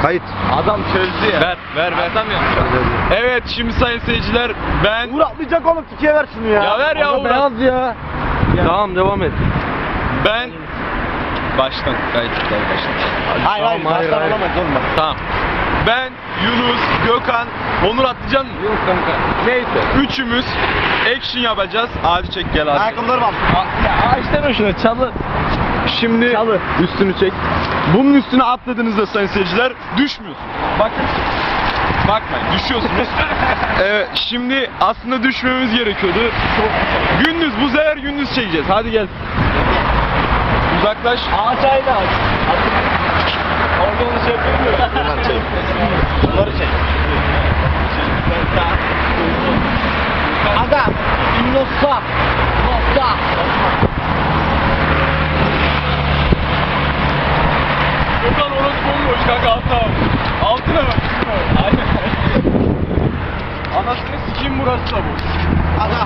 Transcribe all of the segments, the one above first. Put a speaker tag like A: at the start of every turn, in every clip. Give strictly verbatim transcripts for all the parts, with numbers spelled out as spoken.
A: Kayıt.
B: Adam çözdü ya.
C: Ver, ver, ver.
B: Adam yapmış.
C: Evet, şimdi sayın seyirciler, ben...
A: Uğur atlayacak oğlum, tikiye ver şunu ya.
C: Ya ver ya Uğur.
A: beyaz ya. Tamam, devam et.
C: Ben... Baştan, kayıt baştan.
A: Hayır hayır,
B: Tamam, hayır,
A: baştan
B: hayır.
A: olamayız oğlum bak.
C: Tamam. Ben, Yunus, Gökhan, Onur atlayacaksın mı?
B: Yok kanka. Neyse.
C: Üçümüz action yapacağız. Hadi çek gel abi.
A: Ayakkabıları al.
B: Ya ağaçtan şuna çalı.
C: Şimdi
A: Çalı.
C: üstünü çek. Bunun üstüne atladığınızda sayın seyirciler düşmüyorsunuz. Bakın. Bakmayın, düşüyorsunuz. Evet, şimdi aslında düşmemiz gerekiyordu. Gündüz, bu sefer gündüz çekeceğiz. Hadi gel. Uzaklaş.
B: Ağaç aynı ağaç. Orada onu şey yapıyor.
A: Bunları çek. Bunları çek. Aga. Nossa. Nossa.
C: Gökhan orası bomboş kanka, altına bak. Altına bak. Aynen. Anasını sikeyim, burası da boş.
A: Aga.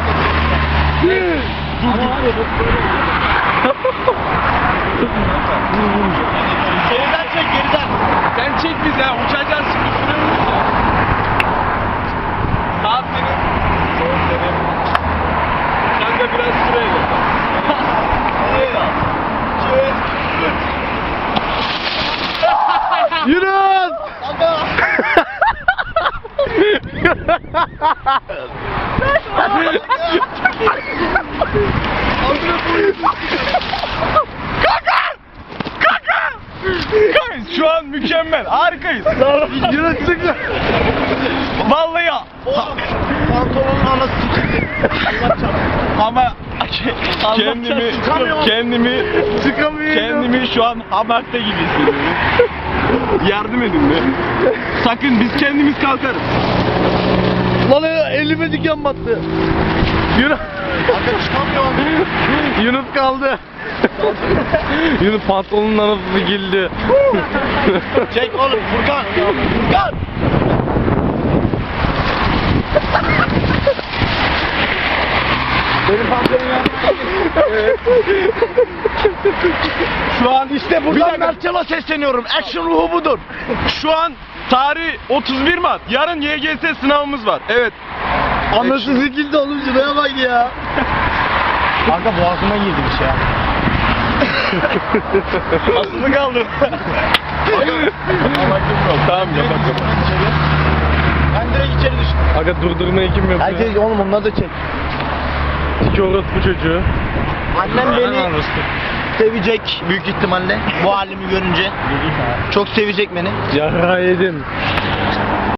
A: Geriden çek, geriden.
C: Sen çek bize, uçacağız şimdi, sürüyoruz ya. Saat senin. Soğuk senin. Kanka biraz süreyle.
A: Yunus!
C: Kanka! Şu an mükemmel, harikayız.
A: Yunus çıktı.
C: Vallahi ya.
A: Oğlum, pantolonun anası sikildi. Allah çarpsın.
C: Ama kendimi
A: Çıkamıyorum.
C: kendimi
A: Çıkamıyorum.
C: kendimi şu an hamakta gibi hissediyorum. Yardım edin mi? Sakın, biz kendimiz kalkarız.
A: Lan elime diken battı. Yunus. Aga çıkamıyorum.
C: Yunus kaldı. Yunus pantolonun anasını gildi.
A: Çek oğlum Furkan. Furkan. Benim pantolonum yandı.
C: Şu an
A: İşte
C: Bir
A: buradan
C: dakika.
A: Mertcan'a sesleniyorum. Action ruhu budur.
C: Şu an tarih otuz bir Mart. Yarın Y G S sınavımız var. Evet.
A: Anası sikildi oğlum, şuraya bak ya. Kanka boğazıma girmiş ya.
C: Aslı kaldı. Tamam, yapak yapak.
A: Ben direkt içeri düştüm.
C: Aga durdurmayı kim yapıyor?
A: Herkes oğlum onları da çek.
C: İki orospu çocuğu.
A: Annem beni sevecek büyük ihtimalle bu halimi görünce. Çok sevecek beni.
C: Yara yedin.